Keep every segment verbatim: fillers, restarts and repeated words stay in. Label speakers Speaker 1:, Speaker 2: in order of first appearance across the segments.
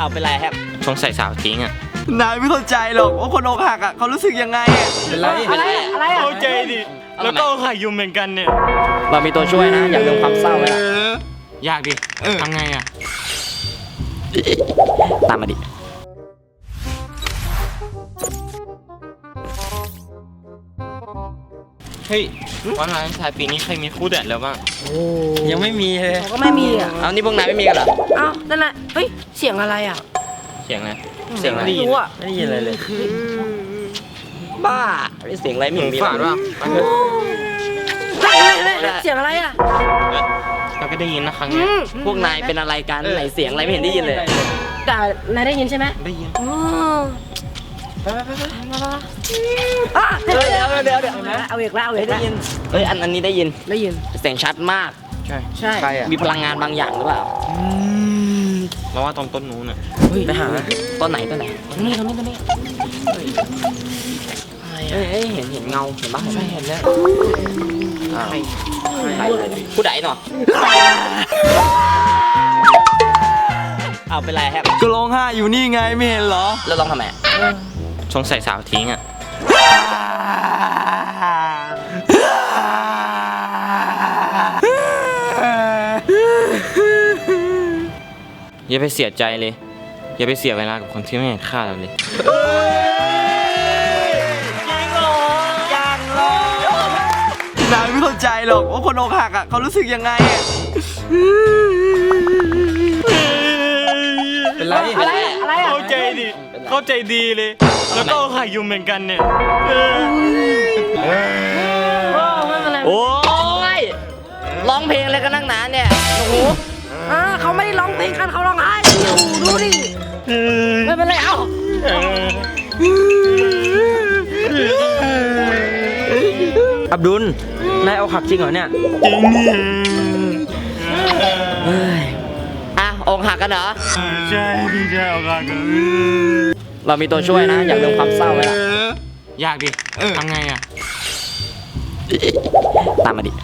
Speaker 1: เป็นไรครับสงสัยสาวทิ้งอ่ะ
Speaker 2: นายไม่เข้าใจหรอกว่าคนอกหักอ่ะเขารู้สึกยังไงอ่ะ
Speaker 1: เป็นไร
Speaker 3: อะไรอะไรอ่ะ
Speaker 4: เข้าใจดิแล้วก็อกหักอยู่เหมือนกันเนี่ย
Speaker 1: เรามีตัวช่วยนะอย่าลืมความเศร้าไว้ละ
Speaker 4: ยากดิทำไงอ่ะ
Speaker 1: ตามมาดิเฮ้ยวันวาเลนไทน์ปีนี้ใครมีคู่เด็ดแล้วบ้างยังไม่มีเลย
Speaker 3: ก็ไม่มีอ่ะ
Speaker 1: เอานี่พวกนายไม่มีกันเหรอ
Speaker 3: อ้าวนั่นแหละเฮ้ยเสียงอะไรอ่ะ
Speaker 1: เสียงอะไรเสียงอะไรไม่
Speaker 3: รู้อ่ะ
Speaker 1: ไม่ได้ยินอะไรเลยบ้าเสียงอะไรไม่มีฝาดว่า
Speaker 3: เสียงอะไรอ่ะ
Speaker 1: เราก็ได้ยินนะครั้งนี้พวกนายเป็นอะไรกันไหนเสียงอะไรไม่เห็นได้ยินเลย
Speaker 3: แต่นายได้ยินใช่ไหม
Speaker 1: ได้ยิน
Speaker 3: ไปไปไปไปเดี๋ยวเดี๋ยวเดี๋ยวเดี๋ยวเอาอีกแล้วเอาอีกแล้วได้ยิน
Speaker 1: เอ้ยอันอันนี้ได้ยิน
Speaker 3: ได้ยิน
Speaker 1: เสียงชัดมาก
Speaker 3: ใช่ใช่
Speaker 1: มีพลังงานบางอย่างหรือเปล่า
Speaker 4: เราว่าตรงต้นนู้นน่ะ
Speaker 1: ไปหาต้นไหนต้นไหน
Speaker 3: ตรงนี้ตรงนี้ตรงนี้
Speaker 1: เอ้ยเห็นเห็นเงาเห็นบ้าง
Speaker 3: ใช่เห็นแล้ว
Speaker 1: ผู้ใดหนอเอาเป็นไรครับ
Speaker 2: ก็ร้องไห้อยู่นี่ไงไม่เห็นเหรอ
Speaker 1: แล้วร้องทำไมสงสัยสาวทิ้งอ่ะอย่าไปเสียใจเลยอย่าไปเสียเวลากับคนที่ไม่เห็นค่าเราเลย
Speaker 2: นายไม่เข้าใจหรอกว่าคนอกหักอ่ะเขารู้สึกยังไงอ่ะ
Speaker 1: เป็นไร
Speaker 3: อะไรอะไรอ่ะ
Speaker 4: เข้าใจดิเข้าใจดีเลยแล้วก็อกหักอยู่เหมือนกันเนี่ย
Speaker 1: โอ้ยร้องเพลงอะไรกันนั่งนานเนี่ยโอ้โห
Speaker 3: อ่าเขาไม่ได้ร้องเพลงกันเขาร้องไห้อยู่ดูดิไม่เป็นไรเอ้า
Speaker 1: อับดุลนายเอาหักจริงเหรอเนี่ย
Speaker 4: จริงเนี่ย
Speaker 1: อ่ะอกหักกันเหรอ
Speaker 4: ใช่พี่ใช่อกหักกัน
Speaker 1: เรามีตัวช่วยนะอย่าลืมความเศร้าไว้ละ
Speaker 4: ยากดิทำไงอ่ะ
Speaker 1: ตามมาดิ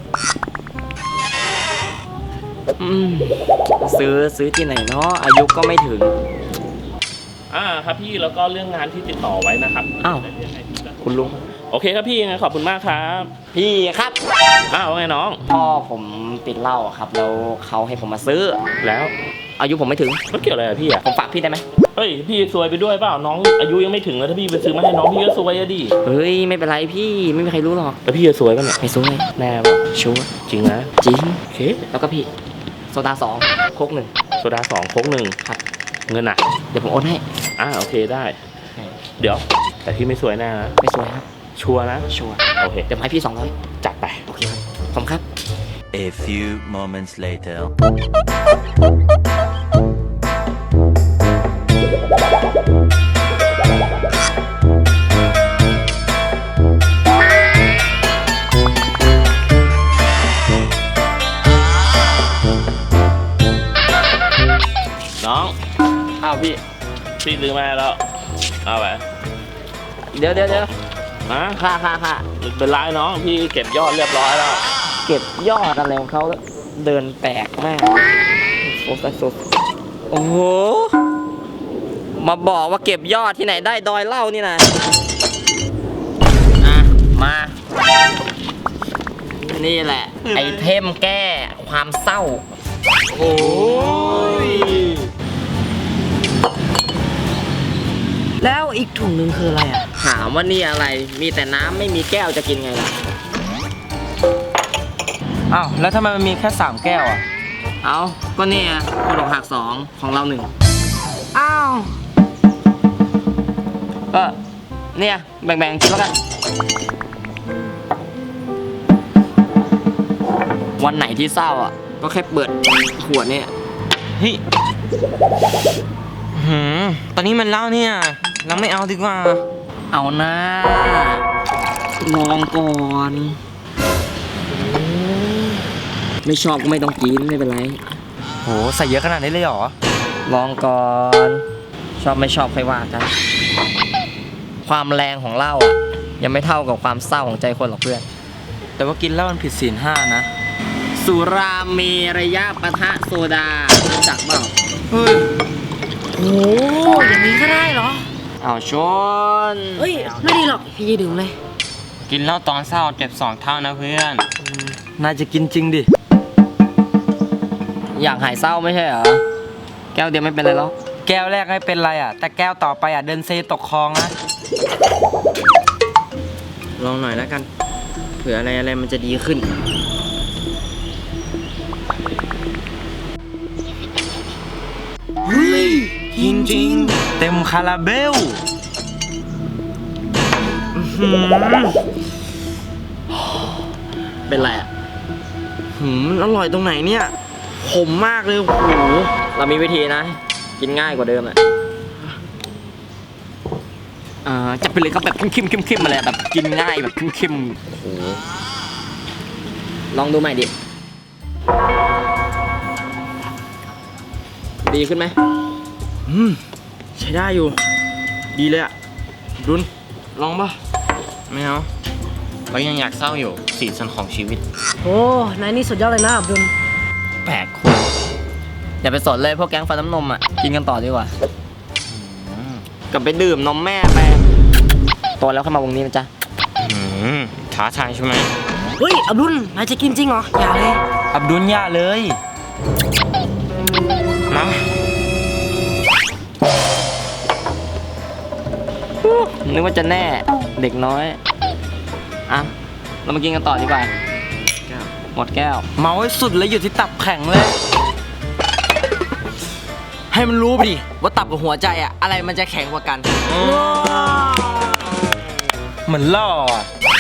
Speaker 1: ซื้อซื้อที่ไหนเนาะอายุก็ไม่ถึง
Speaker 5: อ่าครับพี่แล้วก็เรื่องงานที่ติดต่อไว้นะครับ
Speaker 1: อ้าวคุณลุง
Speaker 5: โอเคครับพี่ยังไงขอบคุณมากครับ
Speaker 1: พี่ครับ
Speaker 5: อ้าวไงน้อง
Speaker 1: พ่อผมติดเหล้าครับแล้วเขาให้ผมมาซื้อ
Speaker 5: แล้ว
Speaker 1: อายุผมไม่ถึง
Speaker 5: มันเกี่ยวอะไรกับพี่อ่ะ
Speaker 1: ผมฝากพี่ได้ไหม
Speaker 5: เฮ้ยพี่ซวยไปด้วยเปล่าน้องอายุยังไม่ถึงแล้วถ้าพี่ไปซื้อมาให้น้องพี่ก็ซวยอะดิ
Speaker 1: เฮ้ยไม่เป็นไรพี่ไม่มีใครรู้หรอก
Speaker 5: แล้วพี่จะซวยป่ะเนี่ย
Speaker 1: ไม่ซวย
Speaker 5: แน่ป่ะ
Speaker 1: ชัวร์
Speaker 5: จริงนะ
Speaker 1: จริง
Speaker 5: โอเค
Speaker 1: แล้วก็พี่โซดาสองโค้กหนึ่ง
Speaker 5: โซดาสองโค้กหนึ่ง
Speaker 1: ครับ
Speaker 5: เงินอ่ะ
Speaker 1: เดี๋ยวผมโอนให้
Speaker 5: อ่าโอเคได้เดี๋ยวแต่พี่ไม่ซวยแน่นะ
Speaker 1: ไม่ซวยครับ
Speaker 5: ชัวร์นะ
Speaker 1: ชัวร์
Speaker 5: โอเค
Speaker 1: เดี๋ยวให้พี่สองร้อย
Speaker 5: จัดไป
Speaker 1: โอเคครับผมครับ
Speaker 6: A few moments later
Speaker 5: น้อง
Speaker 1: อ้าวพี่
Speaker 5: พี่ซื้อมาแล้วเอาไป
Speaker 1: เดี๋ยวเดี๋ยวเดี๋ยว
Speaker 5: ฮะ
Speaker 1: ค่าค่าค่า
Speaker 5: เป็นไรน้องพี่เก็บยอดเรียบร้อยแล้ว
Speaker 1: เก็บยอดอะไรของเขาเดินแปลกมากโอ้โหโอ้โหมาบอกว่าเก็บยอดที่ไหนได้ดอยเหล้านี่นะอ่ะมานี่แหละไอเทมแก้ความเศร้า
Speaker 5: โอ้ย
Speaker 3: แล้วอีกถุงหนึ่งคืออะไรอ่ะ
Speaker 1: ถามว่านี่อะไรมีแต่น้ำไม่มีแก้วจะกินไงล่ะ
Speaker 2: อ้าวแล้วทำไมมันมีแค่สามแก้วอ่ะ
Speaker 1: เอาก็เนี่ยคนอกหักสองของเราหนึ่ง
Speaker 3: อ้าว
Speaker 1: ก็เนี่ยแบ่งๆกินแล้วกันวันไหนที่เศร้าอ่ะก็แค่เปิดขวดเนี่ย
Speaker 2: เฮ้ยหืมตอนนี้มันเล่าเนี่ยเราไม่เอาดีกว่า
Speaker 1: เอานะลองก่อนไม่ชอบก็ไม่ต้องกินไม่เป็นไร
Speaker 2: โหใส่เยอะขนาดนี้เลยเหรอ
Speaker 1: ลองก่อนชอบไม่ชอบค่อยว่ากันความแรงของเหล้าอ่ะยังไม่เท่ากับความเศร้าของใจคนหรอกเพื่อน
Speaker 2: แต่ว่ากินแล้วมันผิดศีลห้านะ
Speaker 1: สุราเมรยะปะทะโซดารู้จักเปล่า
Speaker 2: เฮ้ยโห
Speaker 3: โอ้อย่างนี้ก็ได้เหรอ
Speaker 1: เอาชน
Speaker 3: เฮ้ย ไม่ดีหรอก พี่จะดื่มเลย
Speaker 5: กินเหล้าตอนเศร้าเจ็บสองเท่านะเพื่อน
Speaker 2: นายจะกินจริงดิ
Speaker 1: อยากหายเศร้าไม่ใช่เหรอ แก้วเดียวไม่เป็นไรแล้ว
Speaker 2: แก้วแรกไม่เป็นไรอ่ะ แต่แก้วต่อไปอ่ะเดินเซตกคลองนะ ลองหน่อยแล้วกัน เผื่ออะไรอะไรมันจะดีขึ้น เฮ้ยกินจริง เต็มคาราเบลอื้อหือ
Speaker 1: เป็นไรอ่ะ
Speaker 2: หืมอร่อยตรงไหนเนี่ย ขมมากเลย โอ้โห
Speaker 1: เรามีวิธีนะ กินง่ายกว่าเดิมอ่ะอ่าจะไปเลยครับแบบเข้มๆเข้มๆมาเลยแบบกินง่ายแบบเข้มๆโอ้โหลองดูใหม่ดิ ดีขึ้นไหม
Speaker 2: อืมใช้ได้อยู่ ดีเลยอ่ะ ดุนลองป่ะ
Speaker 5: ไม่เอาเรายังอยากเศร้าอยู่สีสันของชีวิต
Speaker 3: โอ้นายนี่สุดยอดเลยนะบุญ
Speaker 1: แปลกคุณอย่าไปสนเลยพวกแก๊งฟันน้ำนมอ่ะ กินกันต่อดีกว่า กลับไปดื่มนมแม่ไปโตแล้วเข้ามาวงนี้นะจ๊ะ
Speaker 5: อืมท้าทายใช่ไหม
Speaker 3: เฮ้ย อับดุลนายจะกินจริงเหรอ อย่าเลย
Speaker 2: อับดุลย่าเลย
Speaker 5: มา
Speaker 1: นึกว่าจะแน่เด็กน้อย อ่ะ เรามากินกันต่อดีกว่า หมดแก้ว
Speaker 2: เมาให้สุดเลยอยู่ที่ตับแข็งเลย ให้มันรู้ไปดิ ว่าตับกับหัวใจอะอะไรมันจะแข็งกว่ากันเหมือนล่ออะ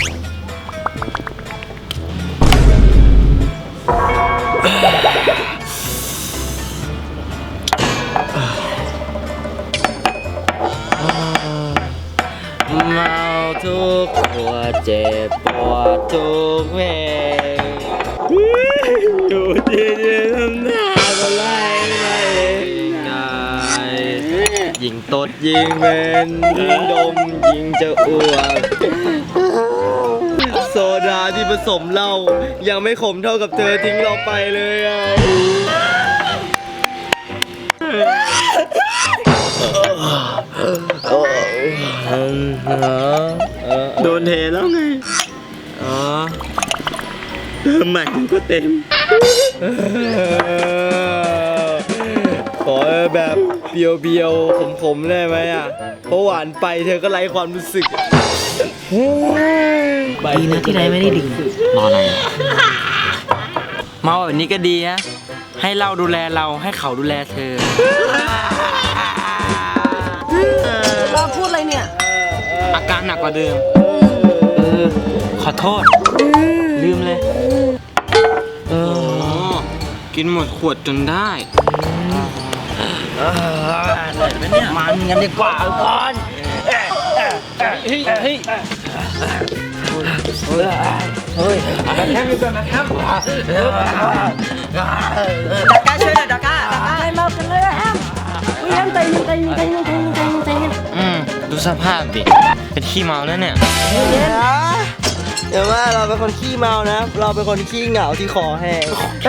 Speaker 2: เมาทุกหัวเจ็บปวดทุกเพลงอยู่ที่นี่ทำหน้าก็ไล่ไม่ได้ยิงตดยิงเมนยิงดมยิงจะอ้วกโซดาที่ผสมเหล้ายังไม่ขมเท่ากับเธอทิ้งเราไปเลยอ่ะ โดนเทแล้วไง อ๋อเติมใหม่ก็เต็ม ขอแบบเบียวๆขมๆได้ไหมอ่ะ เพราะหวานไปเธอก็ไร้ความรู้สึก
Speaker 3: ดีนะที่นายไม่ได้ดื่ม
Speaker 5: รออะไร
Speaker 2: เมาแบบนี้ก็ดีนะ ให้เราดูแลเราให้เขาดูแลเธอ
Speaker 3: เราพูดอะไรเนี่ย
Speaker 5: อาการหนักกว่าเดิม
Speaker 2: เออ ขอโทษ ลืมเลย
Speaker 5: โอ้กินหมดขวดจนได้
Speaker 2: มันกันดีกว่าก่อน
Speaker 5: เฮ้ยเฮ้ย
Speaker 2: เฮ้ยแคมอยู่ก่อนนะแคมดักก้าช่วยหน่อยดักก้าดักก้า
Speaker 3: นายเมากันเลยอะแฮมอุ้ยแฮมใจเย็นใจเย็นใจเย็นใจเย็นใจเย็นใจเย็น
Speaker 5: อืมดูสภาพดิ เป็นขี้เมาแล้วเนี่ย
Speaker 2: เดี๋ยวว่าเราเป็นคนขี้เมานะ เราเป็นคนขี้เหงาที่คอแห้ง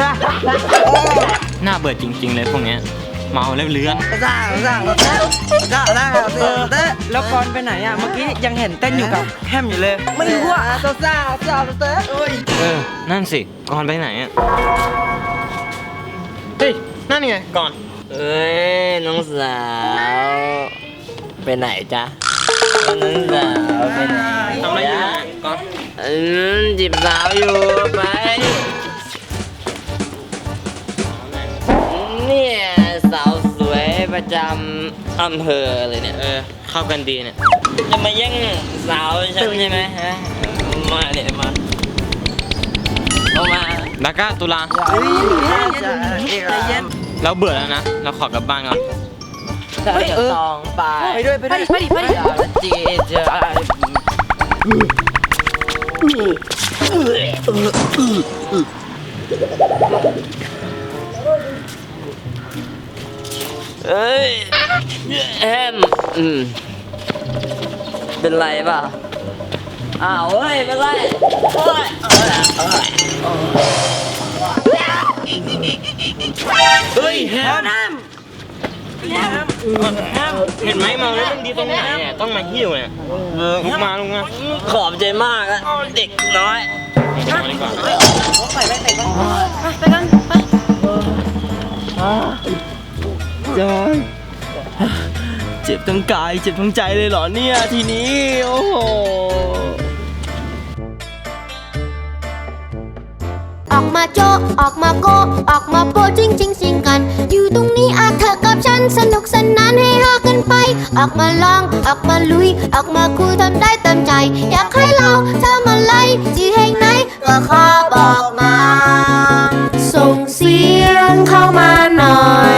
Speaker 5: น่าเบื่อจริง ๆ เลยพวกเนี้ย เมาแล้วเลื้อน
Speaker 2: จ้าจ้าจ้าจ้าจ้าแล้วกอนไปไหนอ่ะ เมื่อกี้ยังเห็นเต้นอยู่กับแฮมอยู่เลย ไม่รู้อ่ะจ้าจ้าจ้าจ้าโอ้ย
Speaker 5: เออ นั่นสิ ก่อนไปไหนอ่ะ เฮ้ย นั่นไง ก่อน
Speaker 1: เอ้ย น้องสาว ไปไหนจ๊ะ น้องสาวไปไหน
Speaker 5: ทำอะไรอยู่
Speaker 1: จ๊ะ
Speaker 5: ก่อน
Speaker 1: อืมจีบสาวอยู่ไป เนี่ยสาวสวยประจำอำเภอเลยเนี่ย
Speaker 5: เออ เข้ากันดีเนี่ย
Speaker 1: จะมาแย่งสาวฉันใช่ไหมฮะ มาเนี่ยมาเอามา
Speaker 5: ดาก้าตุลา แล้วเบื่อแล้วนะ เราขอกลับบ้านก่อน
Speaker 2: เฮ้ยเออไปไปด้วยไปด้วย
Speaker 3: ไปดิไปดิ
Speaker 2: จีเจอ
Speaker 1: เอ้ยแอมอืมเป็นไรเปล่าอ้าวเฮ้ยเป็นไรโอ้ยโอ้ยโอ้ยโอ้ย
Speaker 2: เฮ้ยแฮมเห็นไหมเมาแล้วมันดีตรงไหนเนี่ยต้องมาหิ้วเนี่ยลุกมาลุกมา
Speaker 1: ขอบใจมากอะเด็กน้อย
Speaker 2: มาดีกว่า
Speaker 3: ไปไปไปไปกันไป
Speaker 2: จอยเจ็บทั้งกายเจ็บทั้งใจเลยเหรอเนี่ยทีนี้โอ้โห
Speaker 7: ออกมาโจะออกมาโกะออกมาโปะจริงจริงสิงกัน อยู่ตรงนี้อาเธอกับฉันสนุกสนานให้ฮากันไป ออกมาลองออกมาลุย ออกมาคุยทำได้เต็มใจ อยากให้เราทำอะไรที่แห่งไหนก็ขอบอกมา ส่งเสียงเข้ามาหน่อย